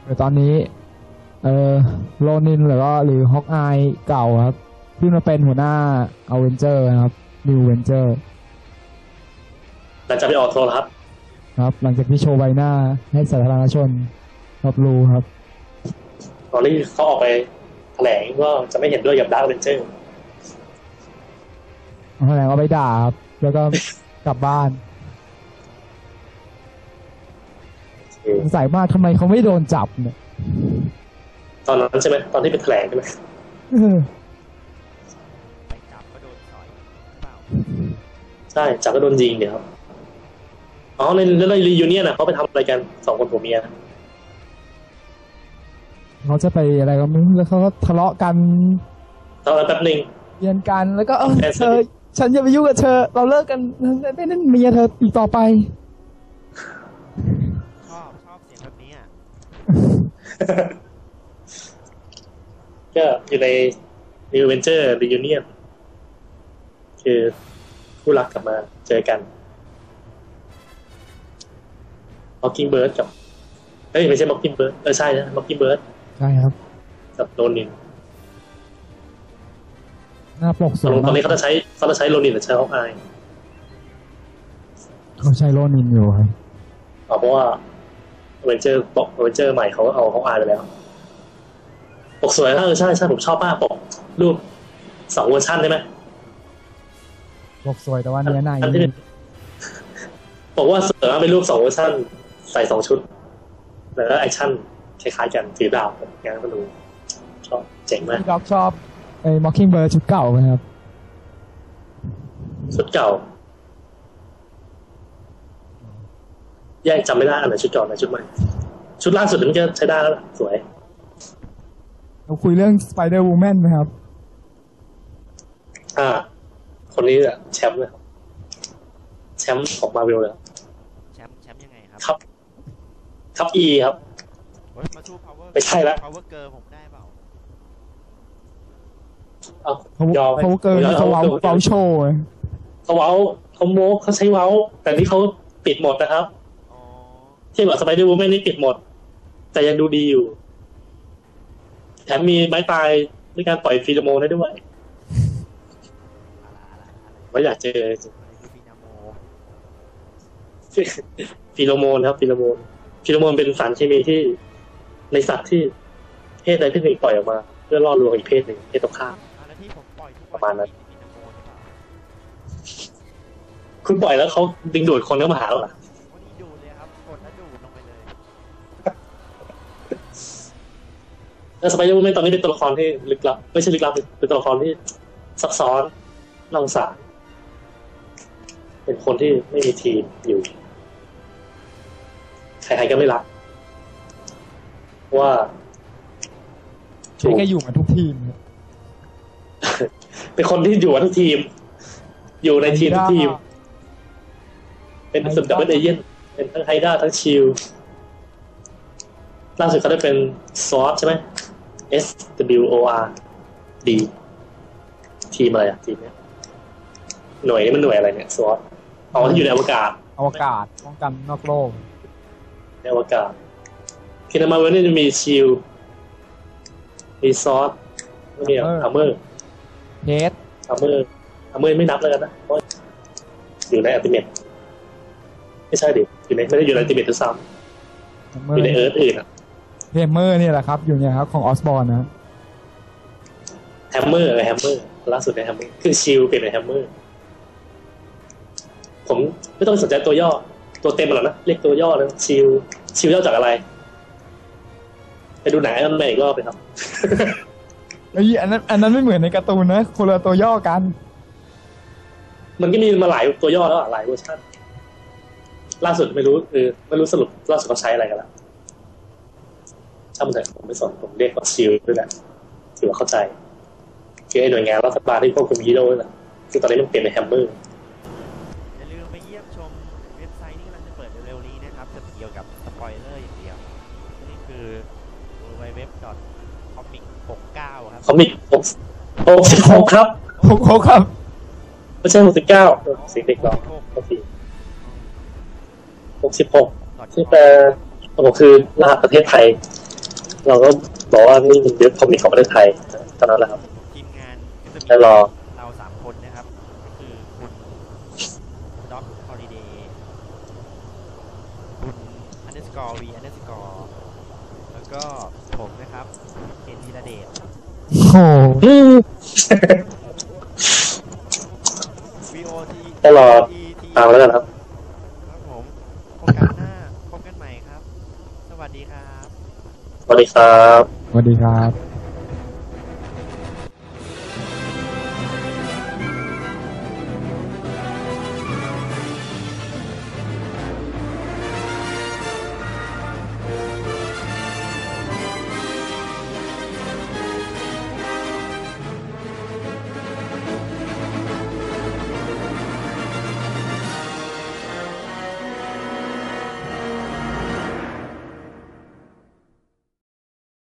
แต่ตอนนี้โรนินหรือฮอกอายเก่าครับที่มาเป็นหัวหน้าอเวนเจอร์นะครับนิวเวนเจอร์หลังจากไปออกโทรทัศน์ครับหลังจากที่โชว์ใบหน้าให้สาธารณชนรับรู้ครับตอนนี้เขาออกไปแถลงว่าจะไม่เห็นด้วยกับดาร์คเวนเจอร์แถลงเอาไปด่าครับแล้วก็กลับบ้านสงสัยมากทำไมเขาไม่โดนจับเนี่ยตอนนั้นใช่ไหมตอนที่เป็นแถลงใช่ไหมไปจับก็โดนต่อยเปล่าใช่จับก็โดนยิงเดี๋ยวครับอ๋อในรียูเนียนเขาไปทำอะไรกันสองคนผัวเมียเขาจะไปอะไรก็ไม่รู้แล้วเขาก็ทะเลาะกันตอนนั้นแป๊บนึงเยียนกันแล้วก็เธอฉันจะไปยุ่งกับเธอเราเลิกกันไม่นั่นเมียเธออีกต่อไปชอบเสียงแบบนี้ก็อยู่ใน New Adventure Reunion คือคู่รักกลับมาเจอกัน Mockingbird กับไม่ใช่ Mockingbird ใช่นะ Mockingbird ใช่ครับกับโรนินหน้าปกสวยตอนนี้เขาจะใช้โรนินหรือใช้ฮอกอายเขาใช้โรนินอยู่ครับเพราะว่าอเวนเจอร์ใหม่เขาเอาฮอกอายไปแล้วปกสวยใช่ผมชอบมากปกรูป2เวอร์ชันได้ไหมปกสวยแต่ว่าเนื้อในบอกว่าเสือเป็นรูป2เวอร์ชันใส่2ชุดแล้วก็แอคชั่นคล้ายๆกันถือดาบงานก็ดูชอบเจ๋งมากด็อกชอบMockingbird ชุดเก่าไหมครับชุดเก่าแยกจำไม่ได้อันไหนชุดเก่าอันไหนชุดใหม่ชุดล่าสุดมันก็ใช้ได้แล้วล่ะสวยเราคุยเรื่อง Spider Woman ไหมครับคนนี้แชมป์เลยแชมป์ของมาร์เวลเลยแชมป์ยังไงครับครับ E ครับมาสู้ Power ไม่ใช่แล้ว Power Girl ผมได้เปล่ายอมเขาเกินเขาเว้าโชว์เขาเว้าเขาโม้เขาใช้เว้าแต่นี่เขาปิดหมดนะครับที่บอก Spider Woman นี่ปิดหมดแต่ยังดูดีอยู่แถมมีไม้ตายด้วยการปล่อยฟีโรโมนได้ด้วยว่าอยากเจอฟีโรโมนครับฟีโรโมนเป็นสารเคมีที่ในสัตว์ที่เพศใดเพศหนึ่งปล่อยออกมาเพื่อล่อลวงอีกเพศหนึ่งเพศตรงข้ามประมาณนั้นคุณปล่อยแล้วเขาดึงดูดคนเข้ามาหาเราล่ะดูดเลยครับกดแล้วดูดลงไปเลยแล้วสไปเดอร์แมนตอนนี้เป็นตัวละครที่ลึกลับไม่ใช่ลึกลับเป็นตัวละครที่ซับซ้อนน่าสงสารเป็นคนที่ไม่มีทีมอยู่ใครๆก็ไม่รักว่าใช่แค่อยู่มาทุกทีมเป็นคนที่อยู่มาทุกทีมอยู่ในทีมทุกทีมเป็นสุดดับเบิลเอเย่นเป็นทั้งไฮด้าทั้งชิลล่าสุดเขาได้เป็นซอสใช่ไหม SWORD ทีมอะไรอ่ะทีมเนี้ยหน่วยนี้มันหน่วยอะไรเนี่ยซอสที่อยู่ในอวกาศป้องกันนอกโลกในอวกาศคินามาเวลนี่จะมีชิลมีซอสมีอัมเมอร์เฮดอัมเมอร์ไม่นับแล้วกันนะเพราะอยู่ในอัลติเมทไม่ใช่ดิไม่ได้อยู่ในอัลติเมททุกซ้ำอยู่ในเอิร์ธอื่นอ่ะแฮมเมอร์นี่แหละครับอยู่เนี่ยครับของออสบอร์นนะแฮมเมอร์ล่าสุดในแฮมเมอร์คือชิลเปลี่ยนเป็นแฮมเมอร์ผมไม่ต้องสนใจตัวย่อตัวเต็มหรอกนะเรียกตัวย่อนะชิลย่อจากอะไรไปดูหนังอันใหม่อีกรอบไปครับอันนั้นไม่เหมือนในการ์ตูนนะคนละตัวย่อกันมันก็มีมาหลายตัวย่อแล้วหลายเวอร์ชันล่าสุดไม่รู้สรุปล่าสุดเขาใช้อะไรกันแล้วช่างมันเถอะผมไม่สนผมเรียกว่าชิลด้วยแหละถือว่าเข้าใจคือไอ้หน่วยงานรัฐบาลที่ควบคุมฮีโร่นั่นแหละคือตอนนี้มันเปลี่ยนเป็นแฮมเมอร์อย่าลืมไปเยี่ยมชมเว็บไซต์ที่กำลังจะเปิดเร็วๆนี้นะครับจะเกี่ยวกับสปอยเลอร์อย่างเดียวนี่คือ www.comic69 ครับ comic 66ครับ 66ครับไม่ใช่69เสียงเด็กร้อง66ที่แปลคือรหัสประเทศไทยเราก็บอกว่านี่มันเว็บคอมิกของประเทศไทยเท่านั้นแหละครับทีมงานก็จะมีแล้วรอเรา3 คนนะครับ ก็คือคุณด็อกฮอลิเดย์คุณ_v__แล้วก็ผมนะครับเคนธีรเดชโอ้โห VOT ก็รอตามแล้วกันครับครับผมโอกาสหน้าพบกันใหม่ครับ สวัสดีครับสวัสดีครับสวัสดีครับ